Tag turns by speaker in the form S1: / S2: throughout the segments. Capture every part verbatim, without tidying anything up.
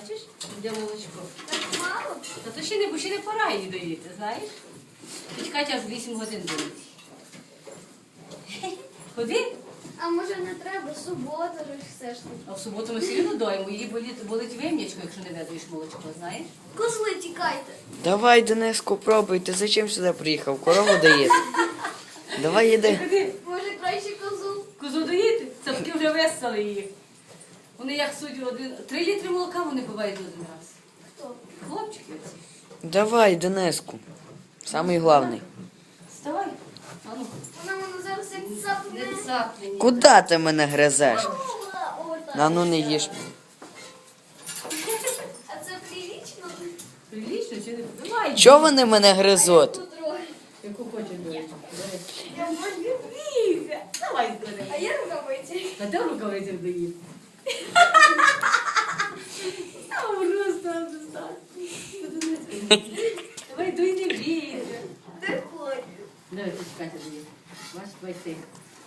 S1: Бачиш? Де молочко.
S2: Так мало?
S1: Та то ще не, бо ще не пора її доїти, знаєш? Тіть Катя аж вісім годин доїть. Ходи.
S2: А може не треба, субота ж все ж таки.
S1: А в суботу ми все одно доїмо. Її болить, болить вим'ячко, якщо не ведуєш молочко, знаєш?
S2: Козли, тікайте.
S3: Давай, Дениску, пробуй. Ти зачем сюди приїхав? Корову доїти. Давай їди.
S1: Ходи.
S2: Може краще козу?
S1: Козу доїти? Цапки вже весели її. Вони як суть один. Три літри молока вони бувають один раз.
S2: Хто?
S1: Хлопчики оці.
S3: Давай, Дениску. Самий главний.
S1: Вставай. А ну,
S2: Вона мене зараз як цапне.
S1: не цапни. ні.
S3: Куди ти мене гризеш?
S2: О, так.
S3: На ну не їж.
S2: А це прилічно?
S1: Прилічно чи не? Давай.
S3: Чого вони мене гризуть?
S2: Потрохи.
S1: Яку хочеш доїти?
S2: Я можу бігти.
S1: Давай,
S2: А
S1: здоров'я.
S2: я рукавиці.
S1: А де рукавицях доїти? Та просто достатньо. Давай, дуй не бійся.
S2: Де хоч?
S1: Давай, тут Катя доїти. Бач, твій ти.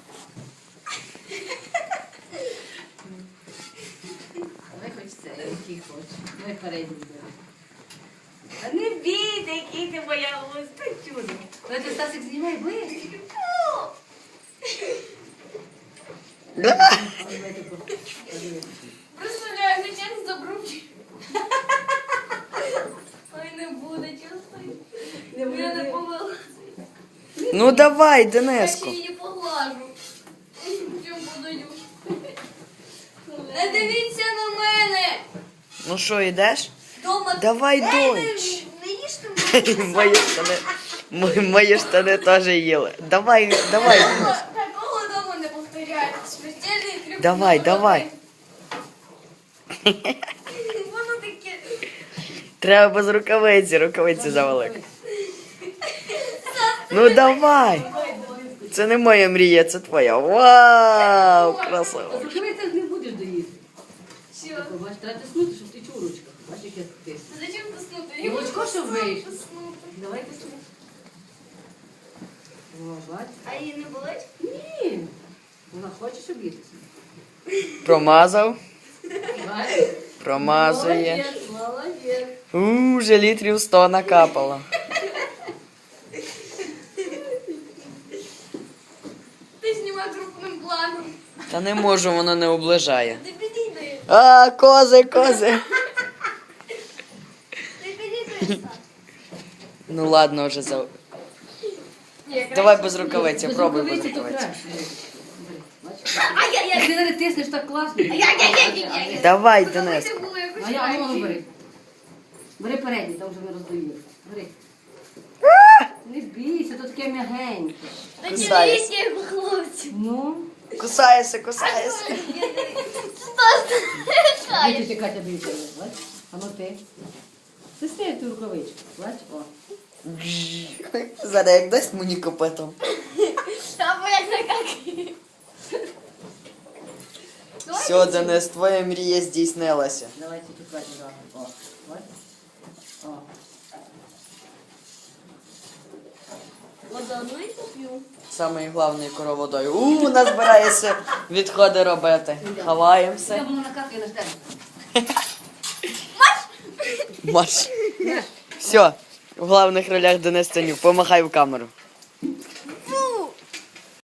S1: Давай хоч це, який хочеш. Давай передній бери. Та не бійте, який ти моя луска чудо. Давай ти, Стасик, знімай ближче.
S3: Давай.
S1: Давай таку. Подивись.
S2: Представляю, зачем забручу. Ой, не буде, чесно.
S1: Не
S2: Я не
S1: буде.
S2: повела.
S3: Ну давай,
S2: Я ще
S3: Дениску.
S2: її поглажу. Чому подаю? Не дивіться на мене!
S3: Ну що, йдеш?
S2: Дома...
S3: Давай,
S2: Ей,
S3: донь.
S2: не, не їжте мене.
S3: Мої штани. Мої, мої штани теж їли. Давай, давай, Денис.
S2: Такого дома не повторяється. Смертельний трюк.
S3: Давай, давай.
S2: Воно таке...
S3: Треба без рукавиці, рукавиці завелик. Ну давай. Це не моя мрія, це твоя. Вау, красиво.
S1: А зачем ти не будеш доїсти?
S2: Що?
S1: Бач, треба тиснути, щоб ти чув у ручках. Бач, яке ти.
S2: Зачем тиснути?
S1: І молочко, щоб вийшло.
S2: Тиснути.
S1: Давай тисни. О, бач.
S2: А її не болить?
S1: Ні. Вона хоче, щоб їсти.
S3: Промазав,
S1: Бач.
S3: промазує.
S1: Молодець, молодець.
S3: У, вже літрів сто накапало.
S2: Ти знімай крупним планом.
S3: Та не можу, воно не оближає.
S2: Ти підійди.
S3: А, кози, кози.
S2: Ти підійди.
S3: Ну ладно, вже за.
S2: Ні,
S3: Давай без рукавиці,
S1: Без
S3: пробуй без
S1: рукавиці то
S3: рукавиці.
S1: краще. Бач.
S2: Ай-яй-яй.
S1: Ти не тиснеш так класно.
S2: Ай-яй-яй-яй-яй.
S3: Давай,
S2: Рукавиці
S3: Дениску.
S2: було якось
S1: А я а ну,
S2: краще.
S1: бери. Бери передній, там вже ми роздоїли. Бери. Не бійся, то таке м'ягеньке.
S2: Та
S3: Кусає.
S2: дивіться, як у хлопців.
S1: Ну,
S3: Кусаєшся, кусаєшся.
S2: Стас,
S1: дивіться, Катя, дивіться. Бач. А ну ти. Тисни ту рукавичку. Бач, о.
S3: Зараз як дасть мені копитом.
S2: Або як накакає.
S3: Все, Денис, твоя мрія здійснилася.
S1: Давайте тут Катя разом. О, бач. О.
S2: Вода, ну і поп'ю.
S3: Самий головний короводой. У, у нас збирається відходи робити.
S1: Я
S3: Ховаємося.
S1: буду накакати на тебе.
S3: Маш. Все, в головних ролях Денис Танюк. Помахай в камеру.